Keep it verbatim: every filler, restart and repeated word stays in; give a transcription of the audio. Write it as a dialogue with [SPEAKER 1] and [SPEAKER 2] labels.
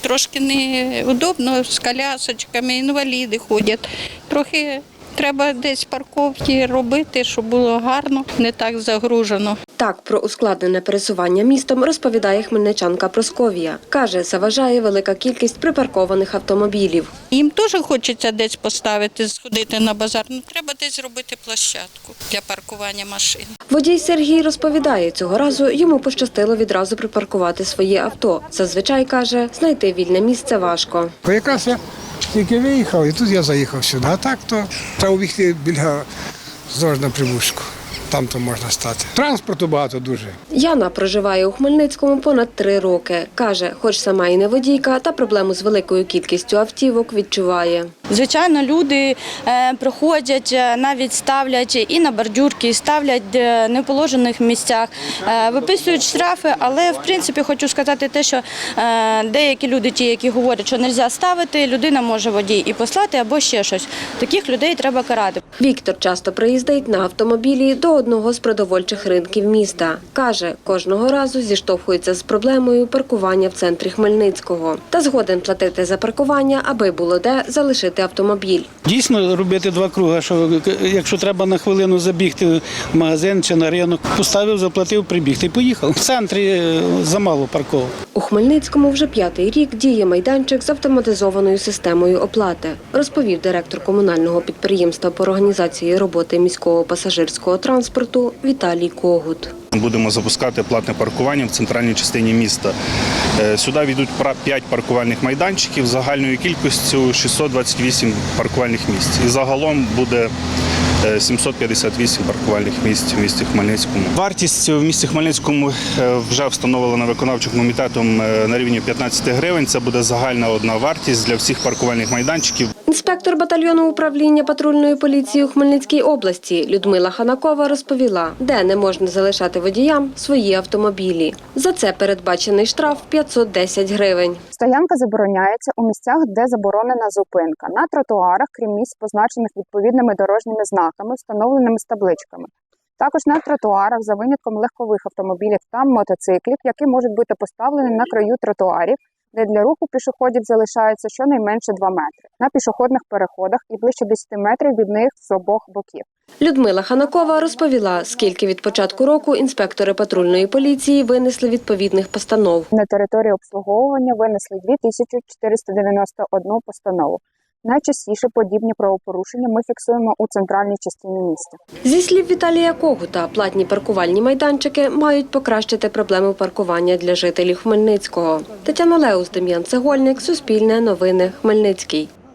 [SPEAKER 1] трошки неудобно, з колясочками, інваліди ходять. Трохи треба десь парковки робити, щоб було гарно, не так загружено.
[SPEAKER 2] Так, про ускладнене пересування містом розповідає хмельничанка Просковія. Каже, заважає велика кількість припаркованих автомобілів.
[SPEAKER 1] Їм теж хочеться десь поставити, сходити на базар, але треба десь зробити площадку для паркування машин.
[SPEAKER 2] Водій Сергій розповідає, цього разу йому пощастило відразу припаркувати своє авто. Зазвичай, каже, знайти вільне місце важко.
[SPEAKER 3] Якраз я тільки виїхав і тут я заїхав сюди. А так то треба обігти біля Здорожна Прибузьку. Там то можна стати. Транспорту багато дуже.
[SPEAKER 2] Яна проживає у Хмельницькому понад три роки. Каже, хоч сама і не водійка, та проблему з великою кількістю автівок відчуває.
[SPEAKER 4] Звичайно, люди е, приходять, навіть ставлять і на бордюрки, ставлять в неположених місцях, е, виписують штрафи, але в принципі хочу сказати те, що е, деякі люди, ті, які говорять, що не можна ставити, людина може водій і послати або ще щось. Таких людей треба карати.
[SPEAKER 2] Віктор часто приїздить на автомобілі до одного з продовольчих ринків міста. Каже, кожного разу зіштовхується з проблемою паркування в центрі Хмельницького. Та згоден платити за паркування, аби було де залишити автомобіль.
[SPEAKER 5] Дійсно робити два круги, що якщо треба на хвилину забігти в магазин чи на ринок, поставив, заплатив, прибіг і поїхав. В центрі замало парковок.
[SPEAKER 2] У Хмельницькому вже п'ятий рік діє майданчик з автоматизованою системою оплати, розповів директор комунального підприємства по організації роботи міського пасажирського транспорту Віталій Когут.
[SPEAKER 6] Будемо запускати платне паркування в центральній частині міста. Сюди війдуть п'ять паркувальних майданчиків загальною кількістю шістсот двадцять вісім паркувальних місць. І загалом буде сімсот п'ятдесят вісім паркувальних місць в місті Хмельницькому. Вартість в місті Хмельницькому вже встановлена виконавчим комітетом на рівні п'ятнадцять гривень. Це буде загальна одна вартість для всіх паркувальних майданчиків.
[SPEAKER 2] Інспектор батальйону управління патрульної поліції у Хмельницькій області Людмила Ханакова розповіла, де не можна залишати водіям свої автомобілі. За це передбачений штраф п'ятсот десять гривень.
[SPEAKER 7] Стоянка забороняється у місцях, де заборонена зупинка. На тротуарах, крім місць, позначених відповідними дорожніми знаками, встановленими з табличками. Також на тротуарах, за винятком легкових автомобілів та мотоциклів, які можуть бути поставлені на краю тротуарів, де для руху пішоходів залишається щонайменше два метри. На пішохідних переходах і ближче десять метрів від них з обох боків.
[SPEAKER 2] Людмила Ханакова розповіла, скільки від початку року інспектори патрульної поліції винесли відповідних постанов.
[SPEAKER 7] На території обслуговування винесли дві тисячі чотириста дев'яносто одну постанову. Найчастіше подібні правопорушення ми фіксуємо у центральній частині міста.
[SPEAKER 2] Зі слів Віталія Когута, платні паркувальні майданчики мають покращити проблему паркування для жителів Хмельницького. Тетяна Леус, Дем'ян Цегольник, Суспільне новини, Хмельницький.